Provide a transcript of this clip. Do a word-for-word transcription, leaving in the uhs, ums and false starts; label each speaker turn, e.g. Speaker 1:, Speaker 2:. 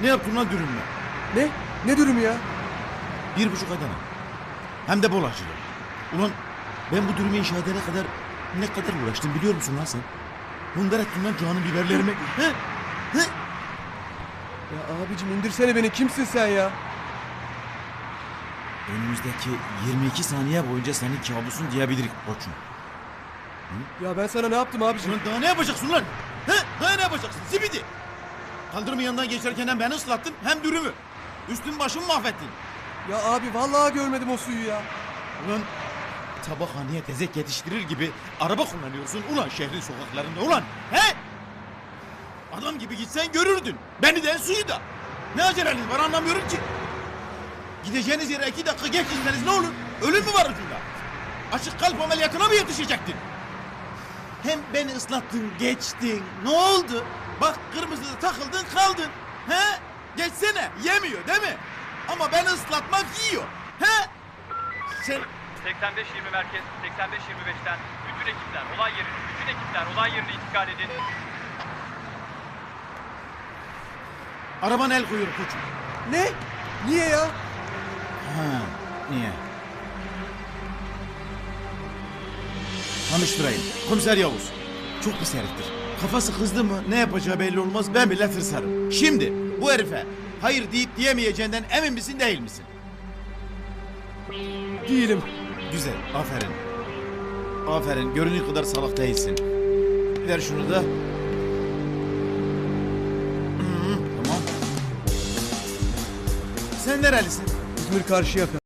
Speaker 1: Ne yaptın lan dürümle?
Speaker 2: Ne? Ne dürümü ya?
Speaker 1: Bir buçuk Adana. Hem de bol acılı. Ulan ben bu dürümü inşa edene kadar ne kadar uğraştım biliyor musun lan sen? Bunlar ettin lan canım biberlerimi. He? He?
Speaker 2: Ya abicim indirsene beni, kimsin sen ya?
Speaker 1: Önümüzdeki yirmi iki saniye boyunca senin kabusun diyebilirik koçum.
Speaker 2: Ya ben sana ne yaptım abicim?
Speaker 1: Ulan daha ne yapacaksın lan? He? Daha ne yapacaksın? Zibidi! Kaldırımın yanından geçerken hem beni ıslattın hem dürümü. Üstün başımı mahvettin.
Speaker 2: Ya abi vallahi görmedim o suyu ya.
Speaker 1: Ulan tabakhaneye tezek yetiştirir gibi araba kullanıyorsun ulan şehrin sokaklarında ulan. He? Adam gibi gitsen görürdün. Beni de suyu da. Ne aceleniz var anlamıyorum ki. Gideceğiniz yere iki dakika geç gitseniz ne olur? Ölüm mü var ucunda? Açık kalp ameliyatına mı yetişecektin? Hem beni ıslattın geçtin. Ne oldu? Bak kırmızıda takıldın kaldın. He? Geçsene yemiyor değil mi? Ama beni ıslatmak yiyor. He? Sen...
Speaker 3: seksen beş yirmi merkez, seksen beş yirmi beşten bütün ekipler olay yerine, bütün ekipler olay yerine intikal edin.
Speaker 1: Arabana el koyuyor koçum.
Speaker 2: Ne? Niye ya?
Speaker 1: Ha, niye? Tanıştırayım. Komiser Yavuz. Çok pis heriftir. Kafası kızdı mı ne yapacağı belli olmaz, ben bile tırsarım. Şimdi bu herife hayır deyip diyemeyeceğinden emin misin değil misin?
Speaker 2: Değilim.
Speaker 1: Güzel, aferin. Aferin, göründüğü kadar salak değilsin. Ver şunu da. Hı, tamam. Sen nerelisin?
Speaker 2: İzmir Karşıyaka.